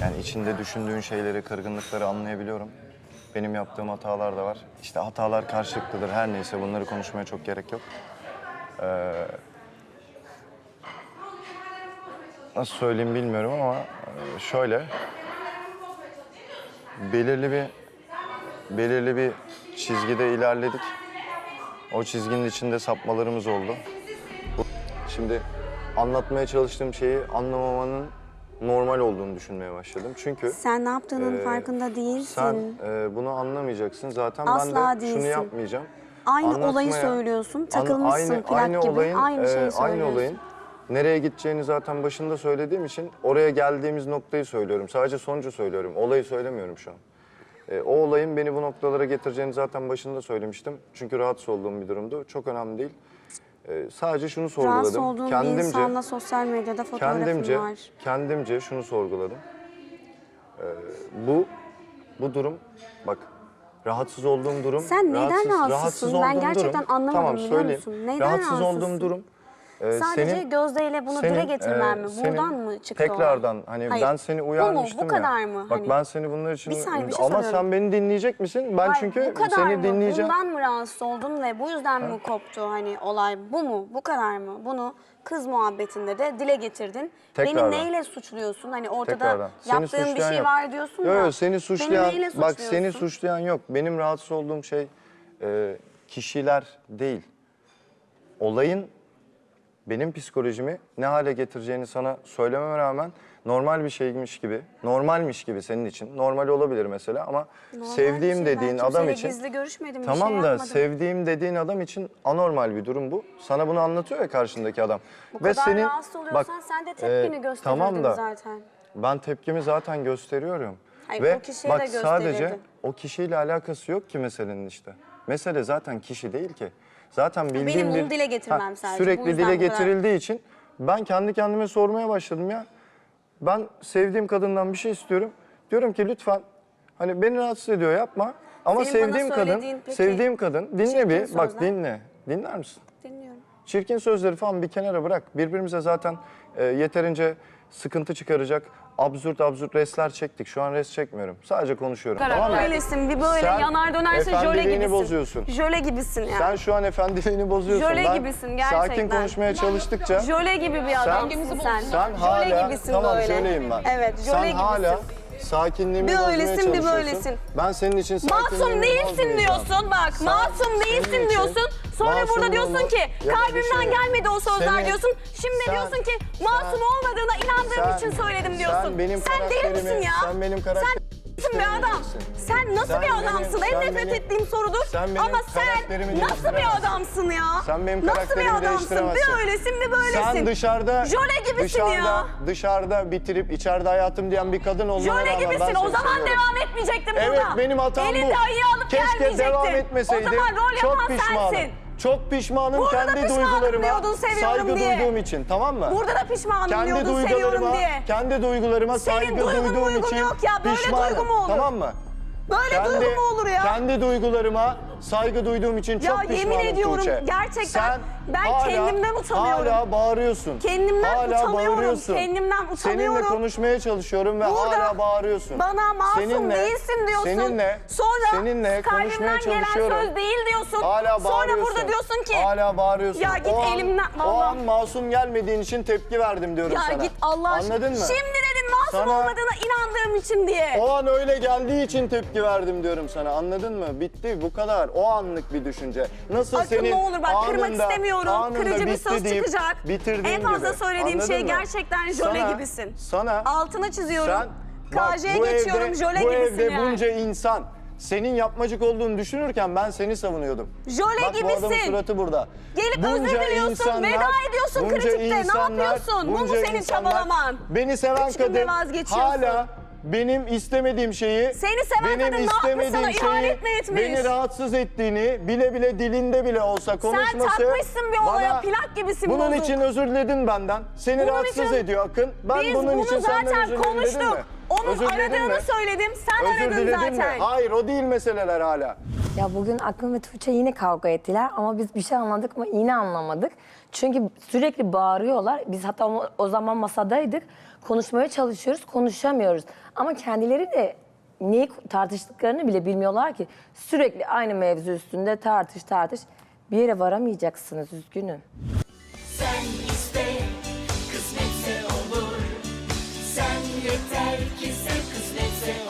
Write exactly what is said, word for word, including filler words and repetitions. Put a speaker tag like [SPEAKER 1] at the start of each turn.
[SPEAKER 1] Yani içinde düşündüğün şeyleri, kırgınlıkları anlayabiliyorum. Benim yaptığım hatalar da var. İşte hatalar karşılıklıdır. Her neyse bunları konuşmaya çok gerek yok. Ee, nasıl söyleyeyim bilmiyorum ama e, şöyle. Belirli bir belirli bir çizgide ilerledik. O çizginin içinde sapmalarımız oldu. Şimdi anlatmaya çalıştığım şeyi anlamamanın normal olduğunu düşünmeye başladım. Çünkü
[SPEAKER 2] Sen ne yaptığının
[SPEAKER 1] e,
[SPEAKER 2] farkında değilsin.
[SPEAKER 1] sen e, bunu anlamayacaksın. Zaten
[SPEAKER 2] Asla
[SPEAKER 1] ben de
[SPEAKER 2] değilsin.
[SPEAKER 1] şunu yapmayacağım.
[SPEAKER 2] Aynı
[SPEAKER 1] Anlatmaya,
[SPEAKER 2] olayı söylüyorsun,
[SPEAKER 1] an-
[SPEAKER 2] takılmışsın
[SPEAKER 1] aynı,
[SPEAKER 2] plak
[SPEAKER 1] aynı
[SPEAKER 2] gibi,
[SPEAKER 1] olayın,
[SPEAKER 2] aynı şeyi
[SPEAKER 1] e,
[SPEAKER 2] söylüyorsun.
[SPEAKER 1] Aynı olayın nereye gideceğini zaten başında söylediğim için oraya geldiğimiz noktayı söylüyorum. Sadece sonucu söylüyorum. Olayı söylemiyorum şu an. E, o olayın beni bu noktalara getireceğini zaten başında söylemiştim. Çünkü rahatsız olduğum bir durumdu. Çok önemli değil. E, sadece şunu sorguladım.
[SPEAKER 2] Rahatsız olduğun bir
[SPEAKER 1] kendimce,
[SPEAKER 2] insanla sosyal medyada fotoğrafın
[SPEAKER 1] kendimce,
[SPEAKER 2] var.
[SPEAKER 1] kendimce şunu sorguladım. E, bu, bu durum, bak rahatsız olduğum durum.
[SPEAKER 2] Sen neden
[SPEAKER 1] rahatsız,
[SPEAKER 2] rahatsızsın?
[SPEAKER 1] rahatsız
[SPEAKER 2] Ben
[SPEAKER 1] olduğum
[SPEAKER 2] gerçekten
[SPEAKER 1] durum,
[SPEAKER 2] anlamadım,
[SPEAKER 1] tamam,
[SPEAKER 2] biliyor
[SPEAKER 1] söyleyeyim.
[SPEAKER 2] musun? Neden
[SPEAKER 1] rahatsız
[SPEAKER 2] rahatsızsın?
[SPEAKER 1] olduğum durum. e,
[SPEAKER 2] Sadece
[SPEAKER 1] senin,
[SPEAKER 2] Gözde ile bunu
[SPEAKER 1] senin,
[SPEAKER 2] dile getirmem
[SPEAKER 1] e,
[SPEAKER 2] mi?
[SPEAKER 1] senin
[SPEAKER 2] Buradan mı çıktı
[SPEAKER 1] tekrardan
[SPEAKER 2] olay?
[SPEAKER 1] hani
[SPEAKER 2] Hayır.
[SPEAKER 1] ben seni uyarmıştım
[SPEAKER 2] Bu mu? Bu
[SPEAKER 1] ya.
[SPEAKER 2] kadar mı?
[SPEAKER 1] Bak
[SPEAKER 2] Hani-
[SPEAKER 1] ben seni bunlar için
[SPEAKER 2] Bir saniye, bir şey
[SPEAKER 1] ama
[SPEAKER 2] soruyorum.
[SPEAKER 1] sen beni dinleyecek misin? Ben
[SPEAKER 2] Hayır,
[SPEAKER 1] çünkü
[SPEAKER 2] bu kadar
[SPEAKER 1] seni
[SPEAKER 2] mı?
[SPEAKER 1] dinleyeceğim.
[SPEAKER 2] Bundan mı rahatsız oldun ve bu yüzden mi koptu hani olay? Bu mu? Bu kadar mı? Bunu kız muhabbetinde de dile getirdin.
[SPEAKER 1] Tekrardan.
[SPEAKER 2] Beni neyle suçluyorsun? Hani ortada
[SPEAKER 1] Tekrardan. Seni
[SPEAKER 2] yaptığın bir
[SPEAKER 1] suçlayan
[SPEAKER 2] şey
[SPEAKER 1] yok.
[SPEAKER 2] var diyorsun
[SPEAKER 1] Yo,
[SPEAKER 2] ya.
[SPEAKER 1] yo, seni suçlayan,
[SPEAKER 2] Beni neyle
[SPEAKER 1] bak
[SPEAKER 2] suçluyorsun?
[SPEAKER 1] seni suçlayan yok. Benim rahatsız olduğum şey e, kişiler değil. Olayın benim psikolojimi ne hale getireceğini sana söylememe rağmen normal bir şeymiş gibi, normalmiş gibi senin için. Normal olabilir mesela ama
[SPEAKER 2] Normal
[SPEAKER 1] sevdiğim
[SPEAKER 2] bir şey.
[SPEAKER 1] dediğin
[SPEAKER 2] Ben
[SPEAKER 1] adam
[SPEAKER 2] kimseyle
[SPEAKER 1] için...
[SPEAKER 2] gizli görüşmedim, bir
[SPEAKER 1] Tamam
[SPEAKER 2] şey
[SPEAKER 1] da
[SPEAKER 2] yapmadım.
[SPEAKER 1] sevdiğim dediğin adam için anormal bir durum bu. Sana bunu anlatıyor ya karşındaki adam.
[SPEAKER 2] Bu kadar rahatsız oluyorsan sen de tepkini
[SPEAKER 1] e,
[SPEAKER 2] gösterirdin
[SPEAKER 1] tamam da,
[SPEAKER 2] zaten.
[SPEAKER 1] Ben tepkimi zaten gösteriyorum.
[SPEAKER 2] Hayır,
[SPEAKER 1] Ve
[SPEAKER 2] o kişiye
[SPEAKER 1] bak
[SPEAKER 2] de
[SPEAKER 1] sadece
[SPEAKER 2] gösterirdin.
[SPEAKER 1] o kişiyle alakası yok ki meselenin işte. Mesele zaten kişi değil ki. Zaten bildiğim
[SPEAKER 2] Benim
[SPEAKER 1] bir...
[SPEAKER 2] bunu dile getirmem sadece, bu
[SPEAKER 1] Sürekli
[SPEAKER 2] yüzden
[SPEAKER 1] dile
[SPEAKER 2] bu kadar.
[SPEAKER 1] getirildiği için ben kendi kendime sormaya başladım ya. Ben sevdiğim kadından bir şey istiyorum. Diyorum ki lütfen hani beni rahatsız ediyor yapma. Ama
[SPEAKER 2] Senin bana
[SPEAKER 1] sevdiğim kadın,
[SPEAKER 2] söylediğin peki
[SPEAKER 1] sevdiğim kadın dinle
[SPEAKER 2] çirkin
[SPEAKER 1] bir bak
[SPEAKER 2] sözler?
[SPEAKER 1] dinle. Dinler misin?
[SPEAKER 2] Dinliyorum.
[SPEAKER 1] Çirkin sözleri falan bir kenara bırak. Birbirimize zaten e, yeterince sıkıntı çıkaracak absürt absürt restler çektik. Şu an rest çekmiyorum. Sadece konuşuyorum. Tamam mı?
[SPEAKER 2] Öylesin, bir böyle
[SPEAKER 1] Sen
[SPEAKER 2] yanar dönersin, jöle
[SPEAKER 1] efendiliğini
[SPEAKER 2] gibisin.
[SPEAKER 1] bozuyorsun.
[SPEAKER 2] Jöle gibisin ya.
[SPEAKER 1] Sen şu an efendiliğini bozuyorsun.
[SPEAKER 2] Jöle
[SPEAKER 1] Ben
[SPEAKER 2] gibisin gerçekten.
[SPEAKER 1] sakin konuşmaya çalıştıkça
[SPEAKER 2] Jöle gibi bir adamsın sen.
[SPEAKER 1] sen
[SPEAKER 2] Jöle
[SPEAKER 1] hala
[SPEAKER 2] gibisin
[SPEAKER 1] tamam
[SPEAKER 2] böyle.
[SPEAKER 1] jöleyim ben.
[SPEAKER 2] Evet, jöle
[SPEAKER 1] sen
[SPEAKER 2] gibisin.
[SPEAKER 1] hala sakinliğimi
[SPEAKER 2] Bir
[SPEAKER 1] bozmaya
[SPEAKER 2] öylesin, bir
[SPEAKER 1] çalışıyorsun.
[SPEAKER 2] böylesin.
[SPEAKER 1] Ben senin için sakinliğimi
[SPEAKER 2] Masum değilsin
[SPEAKER 1] bozmayacağım.
[SPEAKER 2] diyorsun bak.
[SPEAKER 1] Sen-
[SPEAKER 2] masum
[SPEAKER 1] senin
[SPEAKER 2] değilsin
[SPEAKER 1] için
[SPEAKER 2] diyorsun. Sonra
[SPEAKER 1] masum
[SPEAKER 2] burada diyorsun
[SPEAKER 1] olmak
[SPEAKER 2] ki
[SPEAKER 1] ya da bir
[SPEAKER 2] kalbimden
[SPEAKER 1] şey-
[SPEAKER 2] gelmedi o sözler
[SPEAKER 1] Senin-
[SPEAKER 2] diyorsun. Şimdi
[SPEAKER 1] sen-
[SPEAKER 2] diyorsun ki masum
[SPEAKER 1] sen-
[SPEAKER 2] olmadığına inandığım
[SPEAKER 1] sen-
[SPEAKER 2] için söyledim diyorsun.
[SPEAKER 1] Sen benim
[SPEAKER 2] Sen deli misin
[SPEAKER 1] karakterimi-
[SPEAKER 2] ya?
[SPEAKER 1] sen benim
[SPEAKER 2] Sen
[SPEAKER 1] karakterimi
[SPEAKER 2] bir adam. Sen nasıl
[SPEAKER 1] Sen
[SPEAKER 2] bir
[SPEAKER 1] benim-
[SPEAKER 2] adamsın? En
[SPEAKER 1] sen
[SPEAKER 2] nefret
[SPEAKER 1] benim-
[SPEAKER 2] ettiğim sorudur.
[SPEAKER 1] sen benim
[SPEAKER 2] Ama sen
[SPEAKER 1] karakterimi
[SPEAKER 2] nasıl bir
[SPEAKER 1] değiştiremezsin.
[SPEAKER 2] adamsın ya?
[SPEAKER 1] Sen benim
[SPEAKER 2] Nasıl bir
[SPEAKER 1] karakterimi
[SPEAKER 2] adamsın?
[SPEAKER 1] değiştiremezsin.
[SPEAKER 2] Bir öylesin bir böylesin.
[SPEAKER 1] Sen dışarıda
[SPEAKER 2] Jöle gibisin
[SPEAKER 1] dışarıda,
[SPEAKER 2] ya.
[SPEAKER 1] dışarıda bitirip içeride hayatım diyen bir kadın olmana
[SPEAKER 2] Jöle
[SPEAKER 1] rağmen ben
[SPEAKER 2] gibisin.
[SPEAKER 1] seni
[SPEAKER 2] O zaman
[SPEAKER 1] seviyorum.
[SPEAKER 2] devam etmeyecektin
[SPEAKER 1] Evet
[SPEAKER 2] burada.
[SPEAKER 1] benim hatam bu.
[SPEAKER 2] Elinde ayı alıp
[SPEAKER 1] Keşke
[SPEAKER 2] gelmeyecektin.
[SPEAKER 1] devam etmeseydim.
[SPEAKER 2] O zaman rol
[SPEAKER 1] Çok
[SPEAKER 2] yapan
[SPEAKER 1] pişmanım.
[SPEAKER 2] sensin.
[SPEAKER 1] Çok pişmanım
[SPEAKER 2] Burada da
[SPEAKER 1] kendi
[SPEAKER 2] pişmanım
[SPEAKER 1] duygularıma
[SPEAKER 2] diyordun, seviyorum
[SPEAKER 1] saygı
[SPEAKER 2] diye.
[SPEAKER 1] duyduğum için, tamam mı?
[SPEAKER 2] Burada da pişmanım
[SPEAKER 1] kendi
[SPEAKER 2] diyordun, seviyorum
[SPEAKER 1] duygularıma,
[SPEAKER 2] diye.
[SPEAKER 1] kendi duygularıma
[SPEAKER 2] Senin
[SPEAKER 1] saygı
[SPEAKER 2] duygun
[SPEAKER 1] duyduğum
[SPEAKER 2] muygun
[SPEAKER 1] için
[SPEAKER 2] yok ya, böyle
[SPEAKER 1] pişmanım.
[SPEAKER 2] duygu mu olur?
[SPEAKER 1] Tamam mı?
[SPEAKER 2] Böyle
[SPEAKER 1] Kendi,
[SPEAKER 2] duygu mu olur ya?
[SPEAKER 1] Kendi duygularıma saygı duyduğum için
[SPEAKER 2] Ya
[SPEAKER 1] çok pişmanım
[SPEAKER 2] yemin ediyorum
[SPEAKER 1] Tuğçe.
[SPEAKER 2] gerçekten
[SPEAKER 1] Sen
[SPEAKER 2] ben
[SPEAKER 1] hala,
[SPEAKER 2] kendimden utanıyorum.
[SPEAKER 1] Hala bağırıyorsun.
[SPEAKER 2] Kendimden
[SPEAKER 1] hala
[SPEAKER 2] utanıyorum,
[SPEAKER 1] bağırıyorsun.
[SPEAKER 2] kendimden utanıyorum.
[SPEAKER 1] Seninle konuşmaya çalışıyorum ve
[SPEAKER 2] Burada
[SPEAKER 1] hala bağırıyorsun.
[SPEAKER 2] bana masum
[SPEAKER 1] Seninle-
[SPEAKER 2] değilsin diyorsun.
[SPEAKER 1] Seninle,
[SPEAKER 2] Sonra
[SPEAKER 1] seninle konuşmaya
[SPEAKER 2] kalbimden gelen
[SPEAKER 1] çalışıyorum.
[SPEAKER 2] söz değil diyorsun.
[SPEAKER 1] Hala
[SPEAKER 2] Sonra
[SPEAKER 1] bağırıyorsun.
[SPEAKER 2] burada diyorsun ki
[SPEAKER 1] Hala bağırıyorsun.
[SPEAKER 2] Ya git
[SPEAKER 1] o an,
[SPEAKER 2] elimden,
[SPEAKER 1] O
[SPEAKER 2] vallahi.
[SPEAKER 1] an masum gelmediğin için tepki verdim diyorum
[SPEAKER 2] ya
[SPEAKER 1] sana.
[SPEAKER 2] git Allah aşkına.
[SPEAKER 1] Anladın mı?
[SPEAKER 2] Şimdi dedin masum
[SPEAKER 1] Sana-
[SPEAKER 2] olmadığına inandığım için diye.
[SPEAKER 1] O an öyle geldiği için tepki verdim diyorum sana. Anladın mı? Bitti bu kadar. O anlık bir düşünce. Nasıl
[SPEAKER 2] Akın
[SPEAKER 1] senin
[SPEAKER 2] ne olur bak kırmak
[SPEAKER 1] anında-
[SPEAKER 2] istemiyorum.
[SPEAKER 1] anında
[SPEAKER 2] Kırıcı bir
[SPEAKER 1] bitti
[SPEAKER 2] söz
[SPEAKER 1] deyip
[SPEAKER 2] çıkacak.
[SPEAKER 1] bitirdiğin
[SPEAKER 2] En fazla
[SPEAKER 1] gibi.
[SPEAKER 2] söylediğim
[SPEAKER 1] Anladın
[SPEAKER 2] şey
[SPEAKER 1] mı?
[SPEAKER 2] gerçekten jöle
[SPEAKER 1] Sana-
[SPEAKER 2] gibisin.
[SPEAKER 1] Sana
[SPEAKER 2] Altını çiziyorum.
[SPEAKER 1] sen bak,
[SPEAKER 2] K J'ye
[SPEAKER 1] bu
[SPEAKER 2] geçiyorum,
[SPEAKER 1] evde-
[SPEAKER 2] jöle
[SPEAKER 1] bu
[SPEAKER 2] gibisin
[SPEAKER 1] evde
[SPEAKER 2] yani.
[SPEAKER 1] bunca insan senin yapmacık olduğunu düşünürken ben seni savunuyordum.
[SPEAKER 2] Jöle
[SPEAKER 1] Bak, bu adamın
[SPEAKER 2] gibisin.
[SPEAKER 1] suratı burada.
[SPEAKER 2] Gelip özür diliyorsun, veda ediyorsun
[SPEAKER 1] bunca
[SPEAKER 2] kritikte. Ne
[SPEAKER 1] insanlar-
[SPEAKER 2] yapıyorsun? Bu mu
[SPEAKER 1] bunca
[SPEAKER 2] senin
[SPEAKER 1] insanlar
[SPEAKER 2] çabalaman?
[SPEAKER 1] Beni seven
[SPEAKER 2] Üç günde
[SPEAKER 1] kadın
[SPEAKER 2] vazgeçiyorsun.
[SPEAKER 1] hala benim istemediğim şeyi,
[SPEAKER 2] Seni seven
[SPEAKER 1] benim
[SPEAKER 2] kadın ne yapmış,
[SPEAKER 1] istemediğim
[SPEAKER 2] sana
[SPEAKER 1] şeyi,
[SPEAKER 2] ihanet mi etmiş?
[SPEAKER 1] beni rahatsız ettiğini bile bile dilinde bile olsa konuşması.
[SPEAKER 2] Sen takmışsın bir olaya,
[SPEAKER 1] bana-
[SPEAKER 2] plak gibisin
[SPEAKER 1] Bunun
[SPEAKER 2] bozuk.
[SPEAKER 1] için özür diledin benden. Seni
[SPEAKER 2] Bunun
[SPEAKER 1] rahatsız
[SPEAKER 2] için-
[SPEAKER 1] ediyor Akın. Ben
[SPEAKER 2] Biz
[SPEAKER 1] bunun
[SPEAKER 2] bunu
[SPEAKER 1] için senden
[SPEAKER 2] zaten
[SPEAKER 1] özür diledim
[SPEAKER 2] konuştuk.
[SPEAKER 1] mi?
[SPEAKER 2] Onun
[SPEAKER 1] Özür diledin
[SPEAKER 2] aradığını
[SPEAKER 1] mi?
[SPEAKER 2] söyledim, sen
[SPEAKER 1] Özür
[SPEAKER 2] aradın
[SPEAKER 1] diledin
[SPEAKER 2] zaten.
[SPEAKER 1] mi? Hayır o değil meseleler hala.
[SPEAKER 3] Ya bugün Akın ve Tuğçe yine kavga ettiler ama biz bir şey anladık mı yine anlamadık. Çünkü sürekli bağırıyorlar. Biz hatta o, o zaman masadaydık. konuşmaya çalışıyoruz, konuşamıyoruz. Ama kendileri de neyi tartıştıklarını bile bilmiyorlar ki. Sürekli aynı mevzu üstünde tartış tartış. Bir yere varamayacaksınız, üzgünüm.
[SPEAKER 4] Sen iste, kısmetse olur. Sen yeter ki sev, kısmetse olur.